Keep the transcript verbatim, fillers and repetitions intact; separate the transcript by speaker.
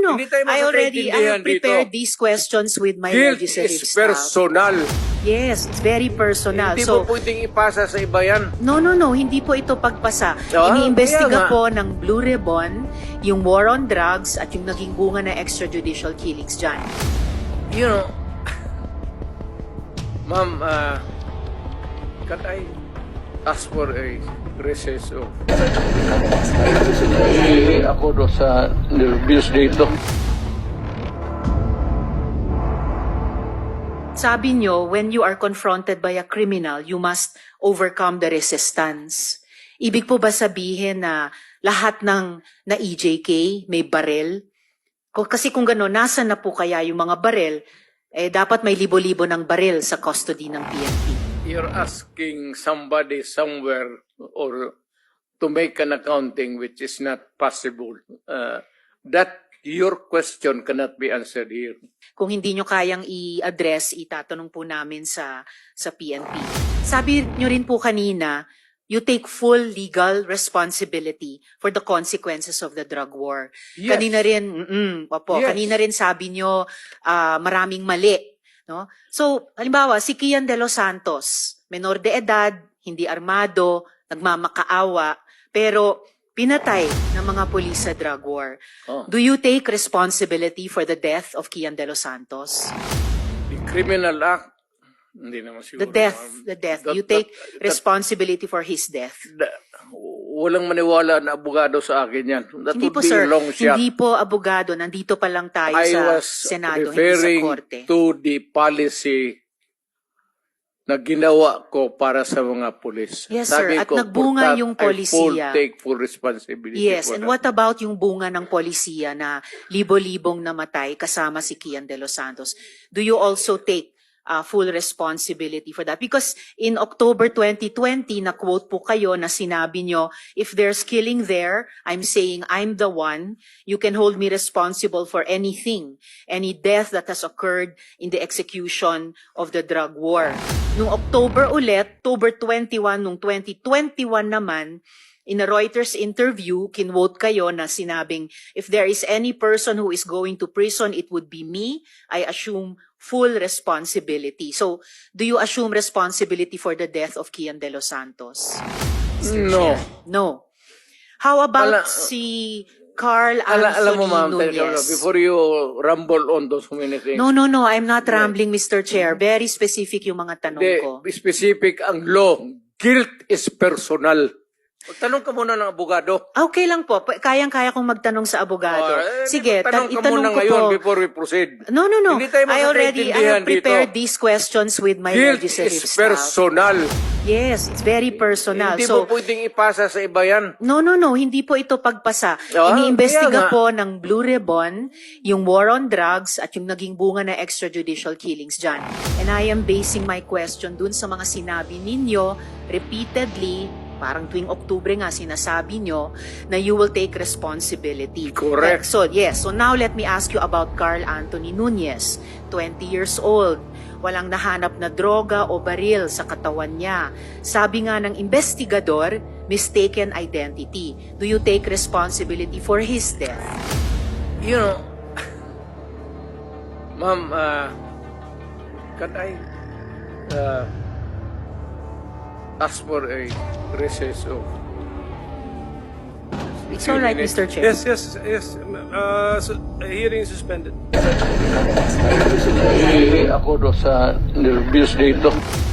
Speaker 1: no.
Speaker 2: Hindi tayo
Speaker 1: I already I
Speaker 2: magkakaintindihan
Speaker 1: have prepared
Speaker 2: dito.
Speaker 1: these questions with my
Speaker 2: Guilt
Speaker 1: legislative
Speaker 2: is
Speaker 1: staff.
Speaker 2: personal.
Speaker 1: Yes, it's very personal.
Speaker 2: Hindi
Speaker 1: So,
Speaker 2: mo pwedeng ipasa sa iba yan.
Speaker 1: no, no, no. Hindi po ito pagpasa.
Speaker 2: Ah,
Speaker 1: Iniimbestiga
Speaker 2: kaya nga.
Speaker 1: po ng Blue Ribbon yung war on drugs at yung naging bunga na extrajudicial killings dyan.
Speaker 2: You know, ma'am, uh, can I ask for a recess of... Eh, ako do sa nervous dito.
Speaker 1: Sabi nyo, when you are confronted by a criminal, you must overcome the resistance. Ibig po ba sabihin na lahat ng na E J K may barel? Kung- Kasi kung gano'n, nasa na po kaya yung mga barel, eh dapat may libo-libo ng barel sa custody ng P N P.
Speaker 2: You're asking somebody somewhere or to make an accounting which is not possible. Uh, that your question cannot be answered here.
Speaker 1: Kung hindi nyo kayang i-address, itatanong po namin sa sa P N P. Sabi nyo rin po kanina, you take full legal responsibility for the consequences of the drug war.
Speaker 2: Yes.
Speaker 1: Kanina rin, mm opo,
Speaker 2: Yes.
Speaker 1: kanina rin sabi nyo ah, maraming mali. No? So, halimbawa, si Kian de los Santos, menor de edad, hindi armado, nagmamakaawa, pero pinatay ng mga pulis sa drug war.
Speaker 2: Oh.
Speaker 1: Do you take responsibility for the death of Kian de los Santos?
Speaker 2: The criminal act, hindi naman siguro.
Speaker 1: The death,
Speaker 2: ma'am.
Speaker 1: the death.
Speaker 2: That-
Speaker 1: You take
Speaker 2: that- that-
Speaker 1: responsibility for his death.
Speaker 2: that- walang maniwala na abogado sa akin yan. That
Speaker 1: Hindi
Speaker 2: would
Speaker 1: po
Speaker 2: be
Speaker 1: sir,
Speaker 2: a long shot.
Speaker 1: hindi po abogado, nandito pa lang tayo
Speaker 2: I
Speaker 1: sa
Speaker 2: was
Speaker 1: Senado, hindi sa
Speaker 2: referring
Speaker 1: Korte.
Speaker 2: to the policy na ginawa ko para sa mga pulis.
Speaker 1: Yes,
Speaker 2: Sabi
Speaker 1: sir. At
Speaker 2: ko,
Speaker 1: nagbunga
Speaker 2: for that,
Speaker 1: yung
Speaker 2: I full
Speaker 1: polisiya.
Speaker 2: take full responsibility
Speaker 1: Yes,
Speaker 2: for
Speaker 1: and
Speaker 2: that.
Speaker 1: what about yung bunga ng polisiya na libo-libong namatay kasama si Kian de los Santos? Do you also take uh, full responsibility for that? Because in October twenty twenty, na-quote po kayo na sinabi nyo, if there's killing there, I'm saying I'm the one. You can hold me responsible for anything, any death that has occurred in the execution of the drug war. Nung October ulit, October twenty-one, nung twenty twenty-one naman, in a Reuters interview, kinwote kayo na sinabing, if there is any person who is going to prison, it would be me. I assume full responsibility. So, do you assume responsibility for the death of Kian de los Santos? Mister
Speaker 2: No.
Speaker 1: Chair? No. How about
Speaker 2: Ala-
Speaker 1: si Carl
Speaker 2: Ala,
Speaker 1: Anthony
Speaker 2: alam mo ma'am, teka,
Speaker 1: Nunez?
Speaker 2: before you rumble on those many things,
Speaker 1: No, no, no. I'm not rambling, Mister Chair. Very specific yung mga tanong
Speaker 2: the
Speaker 1: ko.
Speaker 2: specific ang law, guilt is personal. Tanong ka muna ng abogado.
Speaker 1: Okay lang po. Pa- Kayang-kaya kong magtanong sa abogado.
Speaker 2: Oh, eh,
Speaker 1: Sige, ta-
Speaker 2: tanong ka
Speaker 1: itanong
Speaker 2: muna
Speaker 1: ko
Speaker 2: ngayon
Speaker 1: po.
Speaker 2: before we proceed.
Speaker 1: No, no, no.
Speaker 2: Hindi tayo
Speaker 1: I already I
Speaker 2: magkakaintindihan
Speaker 1: have prepared
Speaker 2: dito.
Speaker 1: these questions with my
Speaker 2: Guilt
Speaker 1: legislative
Speaker 2: is
Speaker 1: staff.
Speaker 2: personal.
Speaker 1: Yes, it's very personal.
Speaker 2: Hindi
Speaker 1: So,
Speaker 2: mo pwedeng ipasa sa iba yan.
Speaker 1: no, no, no. Hindi po ito pagpasa.
Speaker 2: Ah,
Speaker 1: Iniimbestiga
Speaker 2: kaya nga.
Speaker 1: po ng Blue Ribbon yung war on drugs at yung naging bunga na extrajudicial killings dyan. And I am basing my question dun sa mga sinabi ninyo repeatedly, parang tuwing Oktubre nga sinasabi nyo na you will take responsibility.
Speaker 2: Correct.
Speaker 1: So, yes. So now let me ask you about Carl Anthony Nunez, twenty years old. Walang nahanap na droga o baril sa katawan niya. Sabi nga ng investigador, mistaken identity. Do you take responsibility for his death?
Speaker 2: You know, ma'am, uh, can I uh, ask for a recess of...
Speaker 1: It's all right,
Speaker 2: minutes?
Speaker 1: Mister Chair.
Speaker 3: Yes, yes, yes. Uh, so, hearing is suspended.
Speaker 2: Eh, ako do sa nervous dito.